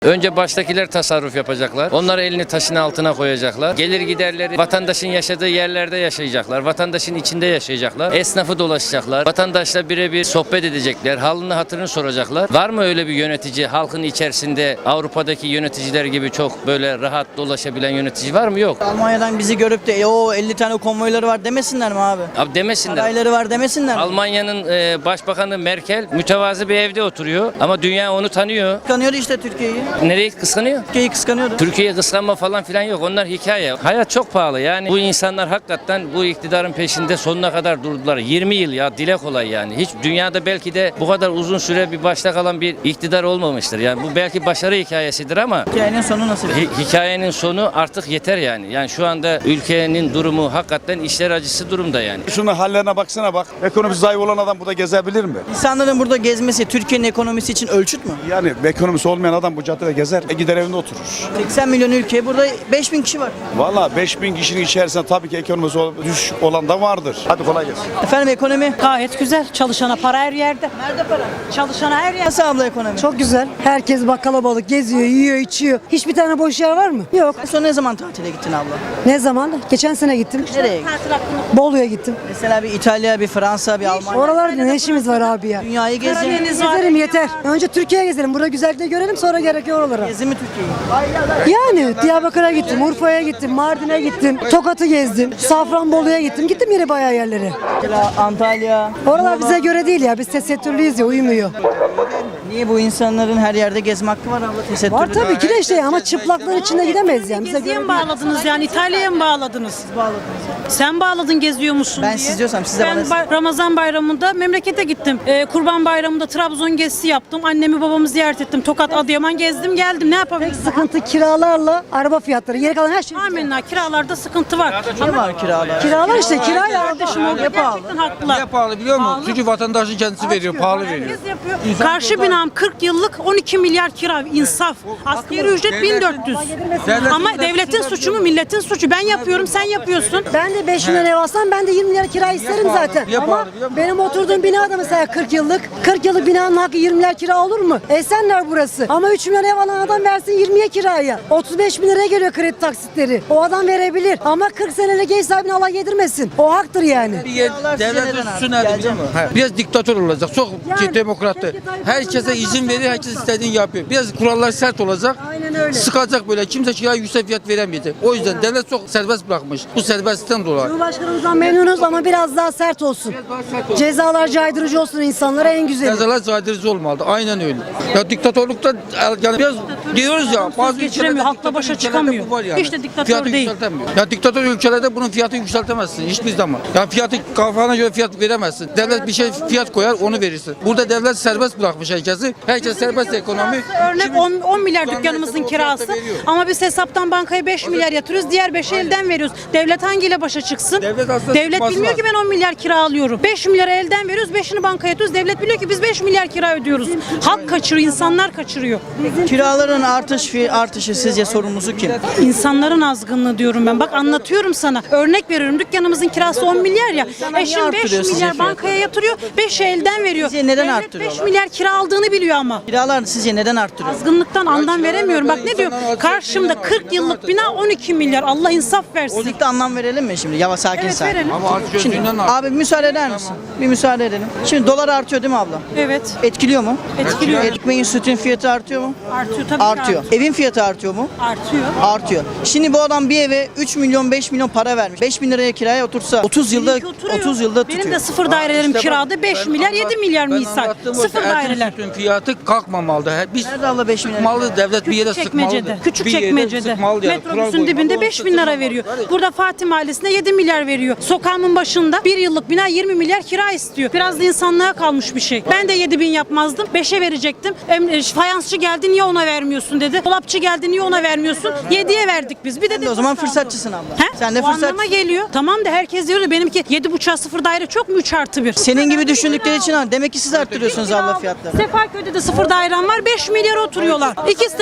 Önce baştakiler tasarruf yapacaklar. Onlar elini taşın altına koyacaklar. Gelir giderleri vatandaşın yaşadığı yerlerde yaşayacaklar. Vatandaşın içinde yaşayacaklar. Esnafı dolaşacaklar. Vatandaşla birebir sohbet edecekler. Halını hatırını soracaklar. Var mı öyle bir yönetici halkın içerisinde Avrupa'daki yöneticiler gibi çok böyle rahat dolaşabilen yönetici var mı? Yok. Almanya'dan bizi görüp de o 50 tane konvoyları var demesinler mi abi? Abi demesinler. Sarayları var demesinler mi? Almanya'nın başbakanı Merkel mütevazı bir evde oturuyor ama dünya onu tanıyor. Kıskanıyordu işte Türkiye'yi. Nereyi kıskanıyor? Türkiye'yi kıskanıyordu. Türkiye'yi kıskanma falan filan yok. Onlar hikaye. Hayat çok pahalı. Yani bu insanlar hakikaten bu iktidarın peşinde sonuna kadar durdular. 20 yıl ya, dile kolay yani. Hiç dünyada belki de bu kadar uzun süre bir başta kalan bir iktidar olmamıştır. Yani bu belki başarı hikayesidir ama Hikayenin sonu nasıl? hikayenin sonu artık yeter yani. Yani şu anda ülkenin durumu hakikaten işler acısı durumda yani. Şunun hallerine baksana bak. Ekonomisi zayıf olan adam burada gezebilir mi? İnsanların burada gezmesi Türkiye'nin ekonomisi için ölçüt mü? Yani ekonomisi olmayan adam bu caddede gezer. Gider evinde oturur. 80 milyon ülke, burada 5000 kişi var. Valla 5000 kişinin içerisinde tabii ki ekonomisi düşük olan da vardır. Hadi kolay gelsin. Efendim ekonomi? Gayet güzel. Çalışana para her yerde. Nerede para? Çalışana her yerde. Nasıl abla ekonomi? Çok güzel. Herkes bak kalabalık geziyor, yiyor, içiyor. Hiçbir tane boş yer var mı? Yok. En son ne zaman tatile gittin abla? Ne zaman? Geçen sene gittim. Nereye? Bolu'ya gittim. Mesela bir İtalya, bir Fransa, bir Almanya. Oralarda ne işimiz var abi ya? Dünyayı gezelim. Gezelim yeter. Önce Türkiye'ye gezelim. Burada güzellikleri görelim sonra gerekiyor oralara. Gezi mi Türkiye'yi? Yani Diyarbakır'a gittim, Urfa'ya gittim, Mardin'e gittim, Tokat'ı gezdim, Safranbolu'ya gittim. Gittim yine bayağı yerlere. Mesela Antalya. Oralar bize göre değil ya. Biz tesettürlüyüz ya, uyumuyor. Niye bu insanların her yerde gezme hakkı var abla? Tesettürlü. Var tabii ki de işte ama çıplaklar içinde gidemeyiz yani. Bize Geziye göre mi değil. bağladınız yani İtalya'ya mı bağladınız? Sen bağladın geziyor musun Ben diye. siz diyorsam siz de Ben bana... Ramazan bayramında memlekete gittim. Kurban bayramında Trabzon gezisi yaptım. Annemi babamı ziyaret ettim. Tokat, Adıyaman gezdim geldim. Ne yapabilirim? Sıkıntı kiralarla araba fiyatları. Geri kalan her şey. Amenna, kiralarda sıkıntı var. Ne var kiralar? Kiralar işte kira ya. Kardeşim o gerçekten haklılar. Niye pahalı biliyor musun? Çünkü vatandaşın kendisi veriyor, pahalı veriyor. Herkes yapıyor. Karşı binam 40 yıllık 12 milyar kira insaf. Asgari ücret 1400. Ama devletin suçu mu milletin suçu? Ben yapıyorum sen yapıyorsun. Ben de 5 milyon ev alsam ben de 20 milyar kira isterim zaten. Niye Ama pahalı biliyor musun? benim oturduğum binada mesela 40 yıllık. 40 yıllık binanın hakkı 20 milyar kira olur mu? Esenler burası. Ama 3 milyon ev alan adam versin 20'ye kiraya. 35 bin liraya geliyor kredi taksitleri. O adam verebilir. Ama 40 senelik ev sahibine Allah yedirmesin. O haktır yani. Kiralar size Devlet neden üstü abi? nerede biliyor Geleceğim. musun? Biraz diktatör olacak. Çok Yani, demokrattı. keşke Tayyip Herkese Erdoğan'dan izin verir, bahsetmiyor. herkes istediğini yapıyor. Biraz kurallar sert olacak. Aynen öyle. Sıkacak böyle. Kimse kiraya yüksek fiyat veremeyecek. O yüzden devlet çok serbest bırakmış. Bu serbestlikten dolayı. Cumhurbaşkanımızdan memnunuz ama biraz daha sert olsun. Cezalar caydırıcı olsun insanlara en güzeli. Cezalar caydırıcı olmalı. Aynen öyle. Ya diktatörlükte yani biraz diyoruz ya bazı geçiremiyor, ülkelerde halkla başa ülkelerde çıkamıyor. bu var yani. Hiç de diktatör Fiyatı değil. yükseltemiyor. Ya diktatör ülkelerde bunun fiyatı yükseltemezsin hiçbir zaman. Ya fiyatı kafana göre fiyat veremezsin. Devlet bir şey fiyat koyar onu verirsin. Burada devlet serbest bırakmış herkesi. Herkes serbest ekonomi. Örnek 10 milyar dükkanımızın kirası ama biz hesaptan bankaya 5 milyar yatırıyoruz. Diğer 5'i elden veriyoruz. Devlet hangiyle başa çıksın? Devlet aslında Bilmiyor ki ben 10 milyar kira alıyorum. 5 milyar elden veriyoruz, 5'ini bankaya yatırıyoruz. Devlet biliyor ki biz 5 milyar kira ödüyoruz. Halk kaçırıyor, insanlar kaçırıyor. Kiraların artışı sizce sorumlusu kim? İnsanların azgınlığı diyorum ben. Bak anlatıyorum sana. Örnek veriyorum. Dükkanımızın kirası 10 milyar ya. niye Eşim 5 arttırıyor sizce milyar fiyatı? bankaya yatırıyor. 5'i elden veriyor. Sizce neden Devlet arttırıyorlar? 5 milyar kira aldığını biliyor ama. Kiralar sizce neden arttırıyor? Azgınlıktan anlam veremiyorum. Bak ne diyor? Karşımda 40 yıllık bina 12 milyar. Allah insaf versin. Politikte anlam verelim mi şimdi? Yavaş sakin Evet sakin. verelim. Ama artık Şimdi gözünden abi müsaade eder misin? Bir müsaade edelim. Şimdi dolar artıyor değil mi abla? Evet. Etkiliyor mu? Etkiliyor. Ekmeğin sütün fiyatı artıyor mu? Artıyor tabii ki Artıyor. Evin fiyatı artıyor mu? Artıyor. Artıyor. Şimdi bu adam bir eve 3 milyon 5 milyon para vermiş. 5 bin liraya kiraya otursa 30 yılda Benimki oturuyor. 30 yılda tutuyor. Benim de sıfır dairelerim kirada 5 milyar 7 milyar misal. Sıfır daireler. Bütün fiyatı kalkmamalı. Biz Nerede abla 5 milyar? sıkmalı devlet bir yere sıkmalıdır. Çekmece'de. Küçük Bir yere çekmecede. sıkmalı yani. Metrobüsün Kural dibinde koymalı. 5 bin lira veriyor. Burada Fatih Mahallesi'nde 7 milyar veriyor. Sokağımın başında 1 yıllık bina 20 milyar kira istiyor. Biraz da insanlığa kalmış bir şey. Ben de 7 bin yapmazdım. 5'e verecektim. Fayansçı geldi niye ona vermiyorsun dedi. Dolapçı geldi niye ona vermiyorsun. 7'ye verdik biz. Bir de O zaman fırsatçısın abla. He? Sen de O anlama fırsat. geliyor. Tamam da herkes diyor da benimki 7,5'a 0 daire çok mu 3+1? Senin gibi düşündükleri için demek ki siz arttırıyorsunuz abla fiyatları. Sefaköy'de de 0 dairem var 5 milyar oturuyorlar. İkisi de karı koca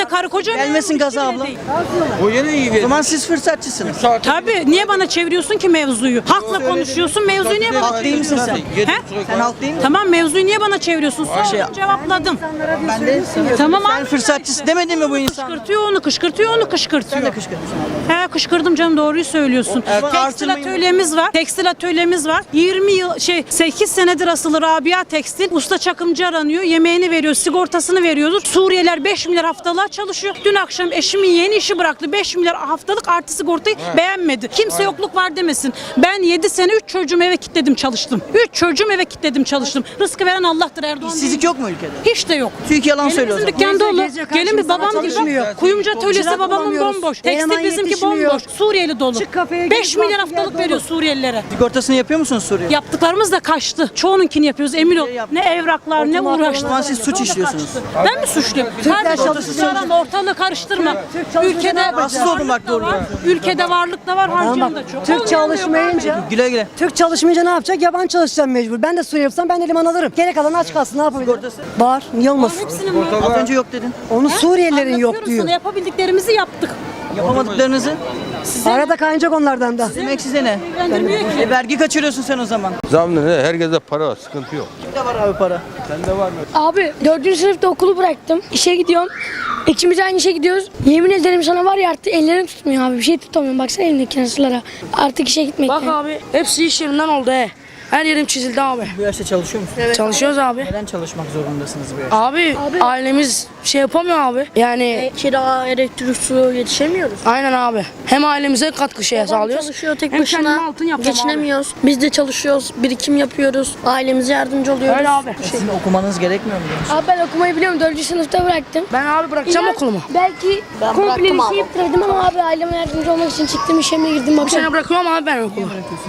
önce Gelmesin gaza abla. O yine iyi O verir. zaman siz fırsatçısınız. Tabii niye bana çeviriyorsun ki mevzuyu? Hakla konuşuyorsun, mevzuyu niye bana Halk değil misin sen? He? Sen halk değil misin? Tamam, mevzuyu niye bana çeviriyorsun? Şey- Sordum, cevapladım. Ben de Tamam sen abi. fırsatçısı demedin mi bu insan? Kışkırtıyor onu, kışkırtıyor onu, kışkırtıyor. Sen de kışkırtıyorsun. He, kışkırdım canım, doğruyu söylüyorsun. Tekstil artırmayın. atölyemiz var. Tekstil atölyemiz var. 8 senedir asılı Rabia Tekstil. Usta çakımcı aranıyor. Yemeğini veriyor, sigortasını veriyoruz. Suriyeliler 5 milyar haftalığa çalışıyor. Dün akşam eşimin yeğeni işi bıraktı. 5 milyar haftalık artı sigortayı beğenmedi. Kimse yokluk var demesin. Ben 7 sene 3 çocuğumu eve kilitledim çalıştım. 3 çocuğumu eve kilitledim çalıştım. Rızkı veren Allah'tır, Erdoğan değil. İşsizlik yok mu ülkede? Hiç de yok. TÜİK yalan Gelin söylüyor o bizim zaman. dükkan dolu. Gezecek Gelin bir karşımıza babam gibi. çalışmıyor. Kuyumcu atölyesi Çırak babamın bulamıyoruz. bomboş. Eleman Tekstil bizimki yetişmiyor. bomboş. Suriyeli dolu. Çık kafeye 5 git, milyar bak, haftalık yer veriyor dolu. Suriyelilere. Sigortasını yapıyor musunuz Suriye? Yaptıklarımız da kaçtı. Çoğununkini yapıyoruz, emin ol. Ne evraklar, ne O zaman uğraşlar. siz suç işliyorsunuz. Ben mi suçluyum? Kardeşim arama, ortalığı karıştırma. Ülkede Rahatsız oldum bak, doğru. Ülkede varlık da var, harcayan da çok. Türk Olmuyor, çalışmayınca Güle güle. Türk çalışmayınca ne yapacak? Yabancı çalışacağım mecbur. Ben de Suriye yapsam ben eleman alırım. Gerek kalan aç kalsın, ne yapabilirim? Var. Niye olmasın? Hepsinin var. Az önce yok dedin. Onu Suriyelilerin yok Anlatıyorum diyor. sana, yapabildiklerimizi yaptık. Yapamadıklarınızı Arada kaynayacak onlardan da. demek size ne? İlgilendirmiyor ki. Vergi kaçırıyorsun sen o zaman. Zamlı ne? Herkeste para var, sıkıntı yok. Kimde var abi para? Abi 4. sınıfta okulu bıraktım. İşe gidiyorum. İkimiz aynı işe gidiyoruz. Yemin ederim sana var ya, artık ellerim tutmuyor abi. Bir şey tutamıyorum. Baksana elimdeki nasırlara. Artık işe gitmekten. Bak abi hepsi iş yerinden oldu he. Her yerim çizildi abi. Bu yaşta çalışıyor musun? Çalışıyoruz abi. Neden çalışmak zorundasınız bu yaşta? Abi ailemiz şey yapamıyor abi. Yani Kira, elektrik, su yetişemiyoruz. aynen abi. Hem ailemize katkı şeye sağlıyoruz. Çalışıyor tek Hem kendime başına. altın yapacağım Geçinemiyoruz. Biz de çalışıyoruz. Birikim yapıyoruz. Ailemize yardımcı oluyoruz. Öyle abi. Sizin okumanız gerekmiyor mu? Abi ben okumayı biliyorum. 4. sınıfta bıraktım. Ben abi bırakacağım İnan, okulumu. Belki komple bir şey bitirdim ama abi aileme yardımcı olmak için çıktım, işeme girdim. Bu Bakıyorum. sene bırakıyorum abi ben okulu.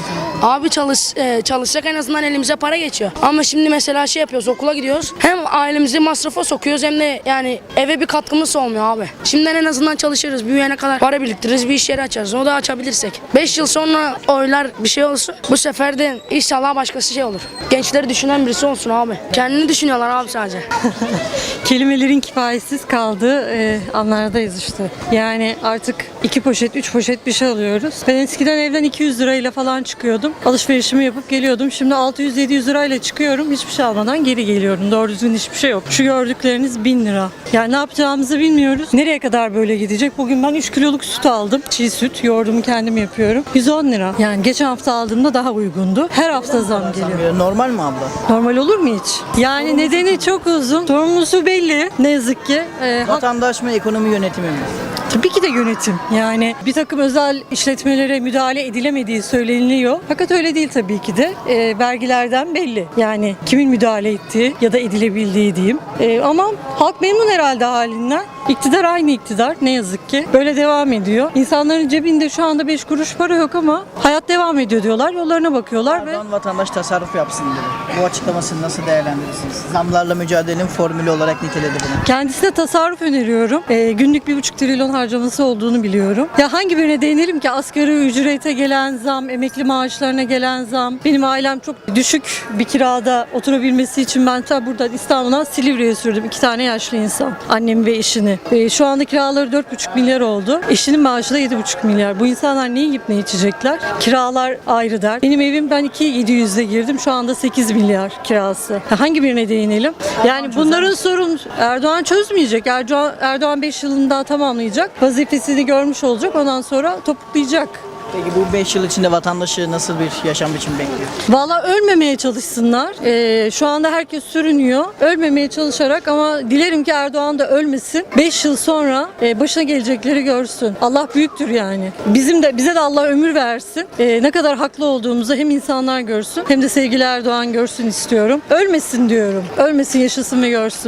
Abi çalışsak en azından elimize para geçiyor. Ama şimdi mesela şey yapıyoruz, okula gidiyoruz. Hem ailemizi masrafa sokuyoruz hem de yani eve bir katkımız olmuyor abi. Şimdiden en azından çalışırız. Büyüyene kadar para biriktiririz, bir iş yeri açarız. O da açabilirsek. 5 yıl sonra oylar bir şey olsun. Bu sefer de inşallah başkası şey olur. Gençleri düşünen birisi olsun abi. Kendini düşünüyorlar abi sadece. Kelimelerin kifayetsiz kaldığı anlardayız işte. Yani artık 2 poşet, 3 poşet bir şey alıyoruz. Ben eskiden evden 200 lirayla falan çıkıyordum. Alışverişimi yapıp geliyordum. Şimdi 600-700 lirayla çıkıyorum. Hiçbir şey almadan geri geliyorum. Doğru düzgün hiçbir şey yok. Şu gördükleriniz 1000 lira. Yani ne yapacağımızı bilmiyoruz. Nereye kadar böyle gidecek? Bugün ben 3 kiloluk süt aldım. Çiğ süt. Yoğurdumu kendim yapıyorum. 110 lira. Yani geçen hafta aldığımda daha uygundu. Her hafta zam geliyor. Normal mi abla? Normal olur mu hiç? Yani nedeni çok uzun. Sorumlusu belli. Ne yazık ki. Vatandaş mı, ekonomi yönetimi mi? Tabii ki de yönetim. Yani bir takım özel işletmelere müdahale edilemediği söyleniliyor. Fakat öyle değil tabii ki de. Vergilerden belli. Yani kimin müdahale ettiği ya da edilebildiği diyeyim. Ama halk memnun herhalde halinden. İktidar aynı iktidar ne yazık ki. Böyle devam ediyor. İnsanların cebinde şu anda 5 kuruş para yok ama hayat devam ediyor diyorlar. Yollarına bakıyorlar ve Erdoğan vatandaş tasarruf yapsın dedi. Bu açıklamasını nasıl değerlendirirsiniz? Zamlarla mücadelenin formülü olarak niteledi bunu. kendisine tasarruf öneriyorum. Günlük 1,5 trilyon harcaması olduğunu biliyorum. Ya hangi birine değinelim ki? Asgari ücrete gelen zam, emekli maaşlarına gelen zam. Benim ailem çok düşük bir kirada oturabilmesi için ben ta buradan İstanbul'dan Silivri'ye sürdüm. 2 tane yaşlı insan. Annemi ve eşini. Şu anda kiraları 4,5 milyar oldu. Eşinin maaşı da 7,5 milyar. Bu insanlar ne yiyip ne içecekler? Kiralar ayrı der. Benim evim ben 2.700'de girdim. Şu anda 8 milyar kirası. Hangi birine değinelim? Yani bunların sorun Erdoğan çözmeyecek. Erdoğan 5 yılını daha tamamlayacak. Vazifesini görmüş olacak. Ondan sonra topuklayacak. Peki bu 5 yıl içinde vatandaşı nasıl bir yaşam biçimi bekliyor? Valla ölmemeye çalışsınlar. Şu anda herkes sürünüyor. Ölmemeye çalışarak ama dilerim ki Erdoğan da ölmesin. 5 yıl sonra başına gelecekleri görsün. Allah büyüktür yani. Bize de Allah ömür versin. Ne kadar haklı olduğumuzu hem insanlar görsün hem de sevgili Erdoğan görsün istiyorum. Ölmesin diyorum. Ölmesin, yaşasın ve görsün.